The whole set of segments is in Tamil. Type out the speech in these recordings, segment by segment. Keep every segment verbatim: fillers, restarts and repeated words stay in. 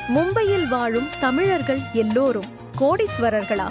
மும்பையில் வாழும் தமிழர்கள் எல்லோரும் கோடீஸ்வரர்களா?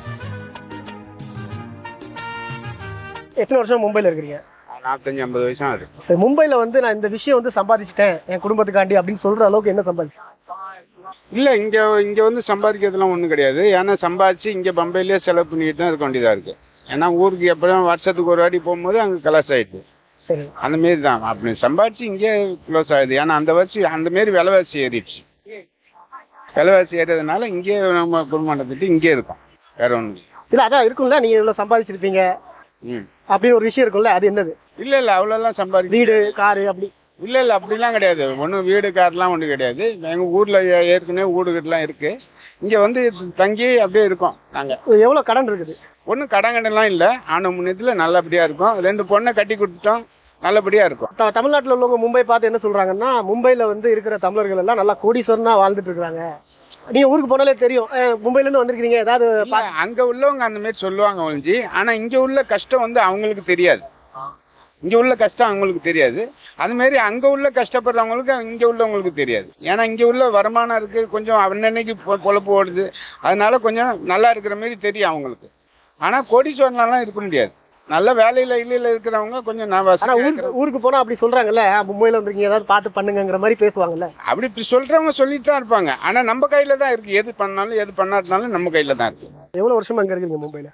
எத்தனை வருஷம் மும்பைல இருக்கிறீங்க? நாற்பத்தஞ்சு ஐம்பது வருஷம் இருக்கு. மும்பைல வந்து நான் இந்த விஷயம் வந்து சம்பாதிச்சிட்டேன் என் குடும்பத்துக்காண்டி அப்படின்னு சொல்ற அளவுக்கு என்ன சம்பாதிச்சேன்? இல்ல இங்க இங்க வந்து சம்பாதிக்கிறதுலாம் ஒண்ணும் கிடையாது. ஏன்னா சம்பாதிச்சு இங்க பம்பையிலேயே செலவு பண்ணிட்டு தான் இருக்க வேண்டியதா இருக்கு. ஏன்னா ஊருக்கு எப்படியும் வருஷத்துக்கு ஒரு வாட்டி போகும்போது அங்க கிளாஸ் ஆயிடுது. அந்த மாரி தான் அப்படி சம்பாதிச்சு இங்கே க்ளோஸ் ஆகுது. ஏன்னா அந்த வருஷம் அந்த மாரி விலைவாசி ஏறிடுச்சு. விலைவாசி ஏறதுனால இங்கே நம்ம குடும்பம் நடத்திட்டு இங்கே இருக்கோம். வேற ஒண்ணு இல்ல. அதான் இருக்கும்ல, நீங்க இவ்வளவு சம்பாதிச்சிருப்பீங்க அப்படின்னு ஒரு விஷயம் இருக்கும்ல, அது என்னது? இல்ல இல்ல அவ்வளவு எல்லாம் சம்பாதி வீடு காரு அப்படி இல்ல இல்ல அப்படிலாம் கிடையாது. ஒன்றும் வீடு கார்லாம் ஒன்றும் கிடையாது. எங்க ஊர்ல ஏற்கனவே வீடுகள்லாம் இருக்கு. இங்க வந்து தங்கி அப்படியே இருக்கோம். நாங்க எவ்வளவு கடன் இருக்குது? ஒன்றும் கடன் கடன்லாம் இல்லை. ஆன முன்னத்துல நல்லபடியா இருக்கும். ரெண்டு பொண்ணை கட்டி கொடுத்துட்டோம், நல்லபடியா இருக்கும். தமிழ்நாட்டில் உள்ளவங்க மும்பை பார்த்து என்ன சொல்றாங்கன்னா, மும்பைல வந்து இருக்கிற தமிழர்கள் எல்லாம் நல்லா கோடீஸ்வரனா வாழ்ந்துட்டு இருக்காங்க. நீங்க ஊருக்கு போனாலே தெரியும், மும்பைல இருந்து வந்திருக்கீங்க ஏதாவது அங்க உள்ளவங்க அந்த மாதிரி சொல்லுவாங்க ஒழிஞ்சு. ஆனா இங்க உள்ள கஷ்டம் வந்து அவங்களுக்கு தெரியாது. இங்க உள்ள கஷ்டம் அவங்களுக்கு தெரியாது. அது மாதிரி அங்க உள்ள கஷ்டப்படுறவங்களுக்கு இங்க உள்ளவங்களுக்கு தெரியாது. ஏன்னா இங்க உள்ள வருமானம் இருக்கு, கொஞ்சம் அன்னன்னைக்கு பொழப்பு ஓடுது. அதனால கொஞ்சம் நல்லா இருக்கிற மாதிரி தெரியும் அவங்களுக்கு. ஆனா கோடீஸ்வரன்லாம் இருக்க முடியாது. நல்ல வேலையில இல்லையில இருக்கிறவங்க கொஞ்சம் ஊருக்கு போனா அப்படி சொல்றாங்கல்ல, மும்பைல வந்திருக்கீங்க ஏதாவது பார்த்து பண்ணுங்கிற மாதிரி பேசுவாங்கல்ல. அப்படி இப்படி சொல்றவங்க சொல்லிட்டு தான் இருப்பாங்க. ஆனா நம்ம கையில தான் இருக்கு. எது பண்ணாலும் எது பண்ணாட்டினாலும் நம்ம கையில தான் இருக்கு. எவ்வளவு வருஷமா அங்க இருக்கீங்க மும்பைல?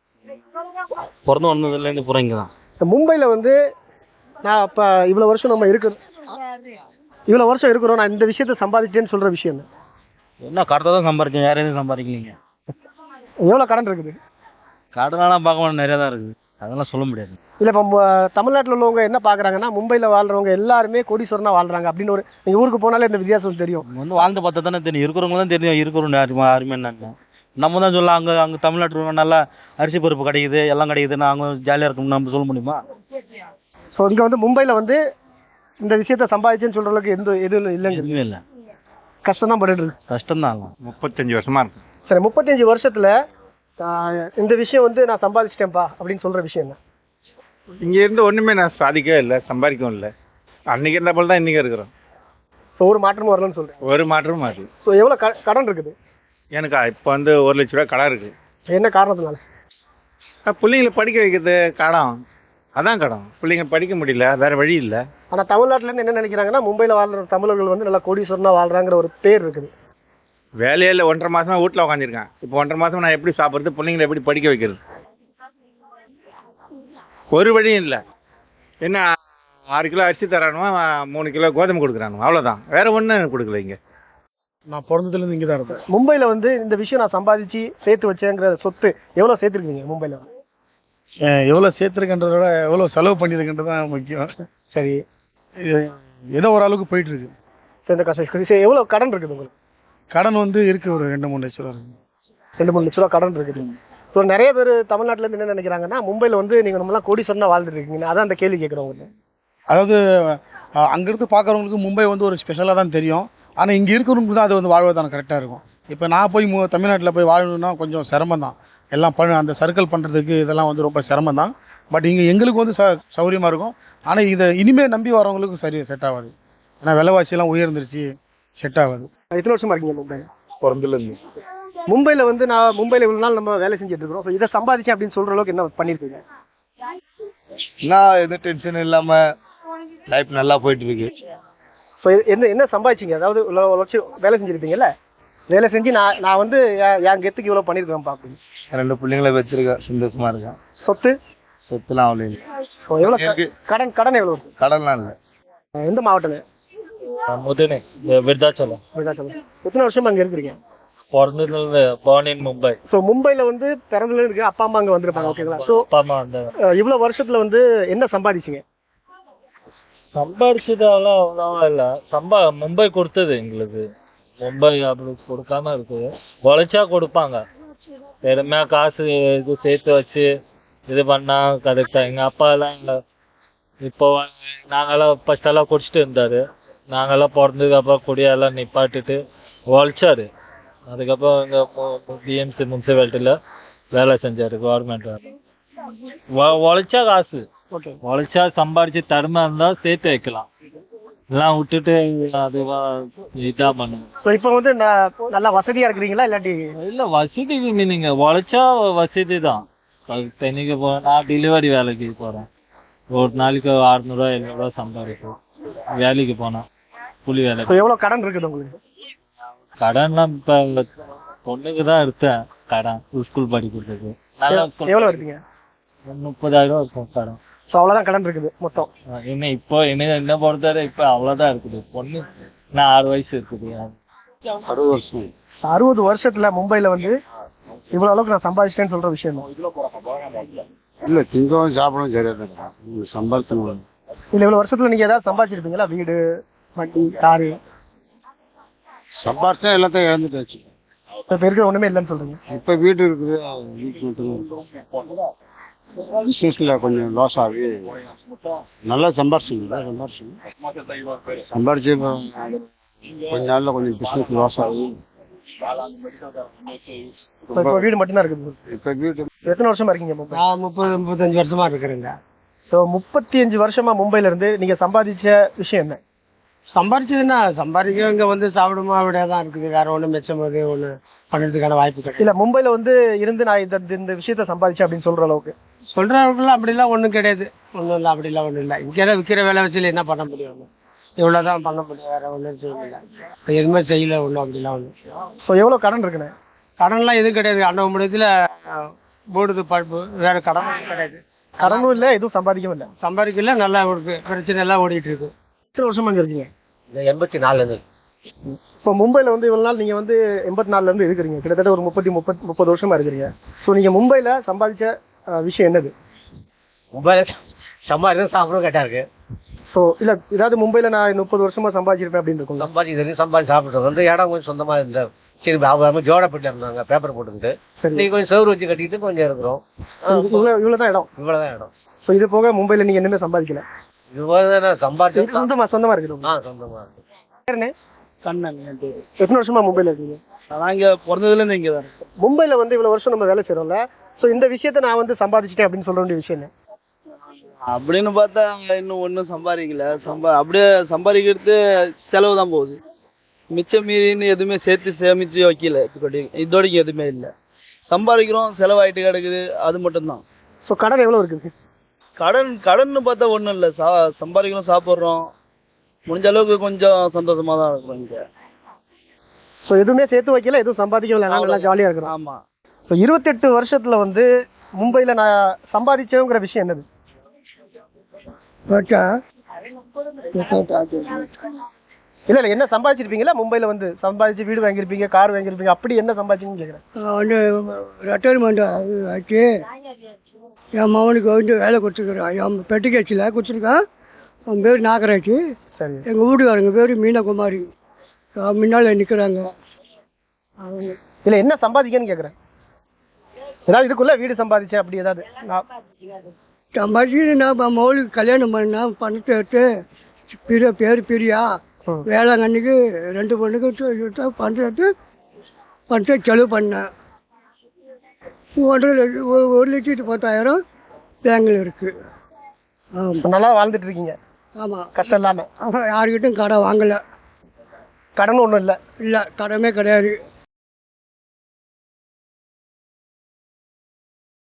பிறந்து வந்ததுல இருந்து போறீங்க தான். மும்பைல வந்து நான் அப்ப இவ்வளவு வருஷம் நம்ம இருக்கிறோம் இவ்வளவு வருஷம் இருக்கிறோம் நான் இந்த விஷயத்த சம்பாதிச்சேன்னு சொல்ற விஷயம் என்ன? கரெக்டாக தான் சம்பாதிச்சேன், வேற எதுவும் சம்பாதிக்கலீங்க. எவ்வளவு கடன் இருக்குது? கடனெல்லாம் பார்க்க நிறைய தான் இருக்குது, அதெல்லாம் சொல்ல முடியாது. இல்ல இப்ப தமிழ்நாட்டில் உள்ளவங்க என்ன பாக்குறாங்கன்னா, மும்பைல வாழ்றவங்க எல்லாருமே கோடீஸ்வரனா வாழ்றாங்க அப்படின்னு ஒரு, நீங்க ஊருக்கு போனாலே இந்த வித்தியாசம் தெரியும். வந்து வாழ்ந்து பார்த்தா தானே தெரியும். இருக்கிறவங்க தான் தெரியும் இருக்கிறவங்க யாருமே யாருமே என்னன்னு. நம்ம தான் சொல்லலாம் அங்கே அங்கே தமிழ்நாட்டில் நல்லா அரிசி பருப்பு கிடைக்குது, எல்லாம் கிடைக்குதுன்னு அவங்க ஜாலியாக இருக்கணும் நம்ம சொல்ல முடியுமா? ஸோ இங்கே வந்து மும்பையில் வந்து இந்த விஷயத்த சம்பாதிச்சேன்னு சொல்கிற அளவுக்கு எந்த எதுவும் இல்லைங்க. எதுவுமே இல்லை, கஷ்டம் தான் பட்டு இருக்கு. கஷ்டம் தான். முப்பத்தஞ்சு வருஷமா இருக்கு. சரி, முப்பத்தஞ்சு வருஷத்துல இந்த விஷயம் வந்து நான் சம்பாதிச்சிட்டேன்ப்பா அப்படின்னு சொல்ற விஷயம் என்ன? இங்க இருந்து ஒண்ணுமே நான் சாதிக்கவே இல்லை, சம்பாதிக்கவும் இல்லை. அன்னைக்கு இருந்த போல தான் இன்னைக்கு இருக்கிறோம். ஸோ ஒரு மாற்றமும் வரலன்னு சொல்றேன். ஒரு மாற்றமும் மாறல. ஸோ எவ்வளோ க கடன் இருக்குது? எனக்கா இப்போ வந்து ஒரு லட்ச ரூபா கடன் இருக்கு. என்ன காரணத்தினால? பிள்ளைங்களை படிக்க வைக்கிறது கடன், அதான் கடன். பிள்ளைங்க படிக்க முடியல, வேற வழி இல்லை. ஆனா தமிழ்நாட்டுல இருந்து என்ன நினைக்கிறாங்கன்னா, மும்பைல வாழ்ற தமிழர்கள் வந்து நல்லா கோடீஸ்வரனா வாழ்றாங்கிற ஒரு பேர் இருக்குது. வேலையில ஒன்றரை மாசமா வீட்டுல உட்காந்துருக்கேன். இப்போ ஒன்றரை மாசமா நான் எப்படி சாப்பிடுறது, பிள்ளைங்களை எப்படி படிக்க வைக்கிறது? ஒரு வழியும் இல்லை. என்ன ஆறு கிலோ அரிசி தரானுவா, மூணு கிலோ கோதுமை கொடுக்குறானுவா, அவ்வளவுதான். வேற ஒன்றும் கொடுக்கல. இங்க நான் பிறந்ததுல இருந்து இங்கே தான் இருப்பேன். மும்பைல வந்து இந்த விஷயம் நான் சம்பாதிச்சு சேர்த்து வச்சேங்கிற சொத்து எவ்வளவு சேர்த்துருக்கீங்க மும்பைல? எவ்வளோ சேர்த்துருக்கன்றத விட எவ்வளோ செலவு பண்ணியிருக்குன்றது தான் முக்கியம். சரி, ஏதோ ஒரு அளவுக்கு போயிட்டு இருக்கு. சரி, இந்த கஷ்டம். சரி, எவ்வளோ கடன் இருக்குது உங்களுக்கு? கடன் வந்து இருக்கு, ஒரு ரெண்டு மூணு லட்ச ரூபா இருக்கு. ரெண்டு மூணு லட்ச ரூபா கடன் இருக்குது. ஸோ நிறைய பேர் தமிழ்நாட்டில இருந்து என்ன நினைக்கிறாங்கன்னா, மும்பைல வந்து நீங்க நம்மளாம் கோடீஸ்வரனா வாழ்ந்துட்டு இருக்கீங்க. அதான் அந்த கேள்வி கேட்குறவங்க. அதாவது அங்கிருந்து பார்க்குறவங்களுக்கு மும்பை வந்து ஒரு ஸ்பெஷலாக தான் தெரியும். ஆனால் இங்கே இருக்கிறவங்களுக்கு தான் அது வந்து வாழ்வதான கரெக்டாக இருக்கும். இப்போ நான் போய் மு தமிழ்நாட்டில் போய் வாழணும்னா கொஞ்சம் சிரமம் தான். எல்லாம் பண்ண அந்த சர்க்கிள் பண்ணுறதுக்கு இதெல்லாம் வந்து ரொம்ப சிரமம் தான். பட் இங்கே எங்களுக்கு வந்து ச சௌகரியமாக இருக்கும். ஆனால் இதை இனிமேல் நம்பி வரவங்களுக்கு சரி செட் ஆகாது. ஏன்னா விலைவாசியெல்லாம் உயர்ந்துருச்சு, செட் ஆகாது. எத்தனை வருஷமா இருக்கீங்க மும்பைல? பிறந்துலேருந்து. மும்பைல வந்து நான் மும்பைல இவ்வளோ நாள் நம்ம வேலை செஞ்சுட்டு இருக்கிறோம். ஸோ இதை சம்பாதிச்சேன் அப்படின்னு சொல்கிற அளவுக்கு என்ன பண்ணியிருக்கீங்க? நான் எந்த டென்ஷன் இல்லாமல் லைஃப் நல்லா போயிட்டு இருக்கு. ஸோ என்ன என்ன சம்பாதிச்சிங்க? அதாவது லட்சம் வேலை செஞ்சுருப்பீங்கல்ல, வேலை செஞ்சு நான் நான் வந்து என் கெத்துக்கு இவ்வளோ பண்ணியிருக்கேன்ப்பா அப்படின்னு. ரெண்டு பிள்ளைங்களை வச்சிருக்கேன், சந்தோஷமா இருக்கேன். சொத்து சொத்துலாம் அவ்வளோ இல்லை. ஸோ எவ்வளோ கடன் கடன் எவ்வளோ இருக்கு? கடன்லாம் இல்லை. எந்த மாவட்டம்? முதனே விருதாச்சலம். விருதாச்சலம். எத்தனை வருஷமா அங்கே இருக்கிறீங்க? பிறந்ததுல born in மும்பை. ஸோ மும்பைல வந்து பிறந்ததுல இருக்கு, அப்பா அம்மா அங்கே வந்திருப்பாங்க. ஓகேங்களா? ஸோ அப்பா அம்மா அந்த இவ்வளோ வருஷத்துல வந்து என்ன சம்பாதிச்சிங்க? சம்பாதிச்சதால அவ்வளவா இல்லை. சம்பா மும்பை கொடுத்தது எங்களுக்கு. மும்பை அப்படி கொடுக்காம இருக்குது. உழைச்சா கொடுப்பாங்க. பெருமையா காசு இது சேர்த்து வச்சு இது பண்ணா கரெக்டா. எங்க அப்பா எல்லாம் இப்போ நாங்கெல்லாம் ஃபர்ஸ்ட் எல்லாம் குடிச்சிட்டு இருந்தாரு. நாங்கெல்லாம் பிறந்ததுக்கு அப்புறம் குடியெல்லாம் நிப்பாட்டிட்டு உழைச்சாரு. அதுக்கப்புறம் இங்க பிஎம்சி முனிசிபாலிட்டியில வேலை செஞ்சாரு, கவர்மெண்ட் வேலை. உழைச்சா காசு, ஓகே, உழைச்சா சம்பாதிச்சு தருமா இருந்தா சேர்த்து வைக்கலாம். எல்லாம் விட்டுட்டு அதுவா இதா பண்ணுங்க. ஸோ இப்போ வந்து நான் நல்லா வசதியா இருக்கிறீங்களா இல்லாட்டி இல்ல வசதி நீங்க உழைச்சா வசதி தான். தென்னைக்கு போறேன், நான் டெலிவரி வேலைக்கு போறேன். ஒரு நாளைக்கு அறுநூறுவா எழுநூறுவா சம்பாதிப்போம் வேலைக்கு போனா, கூலி வேலை. இப்போ எவ்வளோ கடன் இருக்குது உங்களுக்கு? கடன்லாம் இப்ப பொண்ணுக்கு தான் எடுத்தேன் கடன், ஸ்கூல் படிக்கிறதுக்கு. நல்லா ஸ்கூல் எவ்வளோ எடுத்தீங்க? முப்பதாயிரம் இருக்கும் கடன். ஸோ அவ்வளோதான் கடன் இருக்குது மொத்தம். என்ன இப்போ என்ன என்ன பொறுத்தவரை இப்ப அவ்வளவுதான் இருக்குது. பொண்ணு நான் ஆறு வயசு இருக்குது. அறுபது வருஷம் அறுபது வருஷத்துல மும்பைல வந்து இவ்வளவு அளவுக்கு நான் சம்பாதிச்சிட்டேன்னு சொல்ற விஷயம் தான். இல்ல திங்கவும் சாப்பிடவும் சரியா தான் சம்பாதிக்கணும். இல்ல இவ்வளவு வருஷத்துல நீங்க ஏதாவது சம்பாதிச்சிருப்பீங்களா? வீடு, வண்டி, காரு? சம்பாதிச்சா எல்லாத்தையும் இழந்துட்டாச்சு. இப்ப இருக்கிற ஒண்ணுமே இல்லைன்னு சொல்றீங்க. இப்ப வீடு இருக்குது, வீட்டு மட்டும் பிசினஸ்ல கொஞ்சம் லாஸ் ஆகி நல்லா சம்பாரிச்சிங்களா சம்பாரிச்சு சம்பாரிச்சு கொஞ்ச நாள்ல கொஞ்சம் பிசினஸ் லாஸ் ஆகி இப்ப வீடு மட்டும்தான் இருக்குது. இப்ப வீடு எத்தனை வருஷமா இருக்கீங்க மும்பை? நான் முப்பது முப்பத்தஞ்சு வருஷமா இருக்கிறேங்க. ஸோ முப்பத்தி அஞ்சு வருஷமா மும்பைல இருந்து நீங்க சம்பாதிச்ச விஷயம் என்ன? சம்பாரிச்சதுன்னா சம்பாதிக்க இங்க வந்து சாப்பிடுமா அப்படியே தான் இருக்குது. வேற ஒன்றும் மிச்சம் ஒன்று பண்ணுறதுக்கான வாய்ப்பு கிடையாது. இல்ல மும்பைல வந்து இருந்து நான் இந்த இந்த விஷயத்த சம்பாதிச்சேன் அப்படின்னு சொல்ற அளவுக்கு சொல்றவங்களுக்குலாம் அப்படிலாம் ஒன்றும் கிடையாது. ஒன்றும் இல்லை, அப்படிலாம் ஒன்றும் இல்லை. இங்கே விற்கிற வேலை வச்சு என்ன பண்ண முடியும்? இவ்வளோதான் பண்ண முடியும், வேற ஒன்றும் செய்யல. எதுவுமே செய்யல ஒன்றும் அப்படிலாம் ஒன்றும். ஸோ எவ்வளவு கடன் இருக்குண்ணே? கடன்லாம் எதுவும் கிடையாது. அண்ணா முடியத்துல போடுது பழுப்பு, வேற கடன் கிடையாது. கடனும் இல்லை, எதுவும் சம்பாதிக்கவும் இல்லை. சம்பாதிக்கல, நல்லா இருக்கு, பிரச்சனை எல்லாம் ஓடிட்டு இருக்கு. எத்தனை வருஷமா இங்க இருக்கீங்க? எண்பத்தி நாலுல இருந்து. இப்போ மும்பைல வந்து இவ்வளவு நாள் நீங்க வந்து எண்பத்தி நாலுல இருந்து இருக்கிறீங்க, கிட்டத்தட்ட ஒரு முப்பத்தி முப்பத்தி முப்பது வருஷமா இருக்கிறீங்க. ஸோ நீங்க மும்பைல சம்பாதிச்ச அஹ், விஷயம் என்னது? மொபைல் சம்பாதிக்க சாப்பிடும் கேட்டா இருக்கு. ஸோ இல்ல ஏதாவது மும்பைல நான் முப்பது வருஷமா சம்பாதிச்சிருப்பேன் அப்படின்னு இருக்கும். சம்பாதிக்கிறது சம்பாதி சாப்பிட்டு வந்து இடம் கொஞ்சம் சொந்தமா இருந்த சரி அவங்க ஜோடப்பட்டு இருந்தாங்க, பேப்பர் போட்டுக்கிட்டு. சரி, நீங்க கொஞ்சம் செவரு வச்சு கட்டிட்டு கொஞ்சம் இருக்கிறோம். இவ்வளவு இவ்வளவுதான் இடம். இவ்வளவுதான் இடம். ஸோ இது போக மும்பைல நீங்க என்னமே சம்பாதிக்கல? இவ்வளவுதான் சம்பாதிச்சு. சொந்தமா சொந்தமா இருக்குது. ஆ சொந்தமா இருக்கு. பேருண்ணே? கண்ணன் என் பேரு. எத்தனை வருஷமா மும்பைல இருக்கீங்க? நான் இங்க பிறந்ததுல இருந்து இங்க தான் இருக்கேன். மும்பைல வந்து இவ்வளவு வருஷம் நம்ம வேலை செய்யறோம்ல, ஸோ இந்த விஷயத்த நான் வந்து சம்பாதிச்சிட்டேன் அப்படின்னு சொல்ற வேண்டிய விஷயம் என்ன? அப்படின்னு பார்த்தா இன்னும் ஒன்றும் சம்பாதிக்கல. சம்பா அப்படியே சம்பாதிக்கிறது செலவு தான் போகுது. மிச்சம் மீறின்னு எதுவுமே சேர்த்து சேமிச்சு வைக்கல. இதுக்கடி இதோடைக்கு எதுவுமே இல்லை. சம்பாதிக்கிறோம், செலவாயிட்டு கிடக்குது, அது மட்டும்தான். ஸோ கடன் எவ்வளவு இருக்குது? கடன் கடன்னு பார்த்தா ஒன்றும் இல்லை. சா சம்பாதிக்கிறோம், சாப்பிட்றோம், முடிஞ்ச அளவுக்கு கொஞ்சம் சந்தோஷமா தான் இருக்கிறோம் இங்கே. ஸோ எதுவுமே சேர்த்து வைக்கல, எதுவும் சம்பாதிக்கல, நல்லா ஜாலியா இருக்கிறோம். ஆமா. ஸோ இருபத்தெட்டு வருஷத்துல வந்து மும்பைல நான் சம்பாதிச்சேங்கிற விஷயம் என்னது? இல்ல இல்ல என்ன சம்பாதிச்சிருப்பீங்களா? மும்பைல வந்து சம்பாதிச்சு வீடு வாங்கியிருப்பீங்க, கார் வாங்கியிருப்பீங்க, அப்படி என்ன சம்பாதிச்சீங்கன்னு கேக்குறேன். வந்து ரிட்டையர்மெண்ட் ஆச்சு. என் மகனுக்கு வந்து வேலை கொடுத்துருக்குறான். என் பெட்டிக்கேச்சில் கொடுத்துருக்கான். அவன் பேர் நாகராஜ். சரி, எங்கள் வீட்டுக்காரங்க பேர் மீனகுமாரி. முன்னால் நிற்கிறாங்க. இல்ல என்ன சம்பாதிக்கன்னு கேக்குறேன். ஏதாவது இதுக்குள்ள வீடு சம்பாதிச்சேன் அப்படி ஏதாவது? நான் சம்பாதிச்சு நான் மகளுக்கு கல்யாணம் பண்ணா பணத்தை எடுத்து பிரியா பேர் பிரியா ம். வேளாங்கண்ணிக்கு ரெண்டு பொண்ணுக்கு பணத்தை எடுத்து பணத்தை செலவு பண்ணேன். ஒன்றரை லட்சம் ஒரு ஒரு லட்சத்து பத்தாயிரம் பேங்கில் இருக்குது. ஆமாம் நல்லா வாழ்ந்துட்டு இருக்கீங்க ஆமாம். கஷ்டம் இல்லாம? யாருக்கிட்டும் கடை வாங்கலை. கடன் ஒண்ணும் இல்ல? இல்லை, கடமே கிடையாது.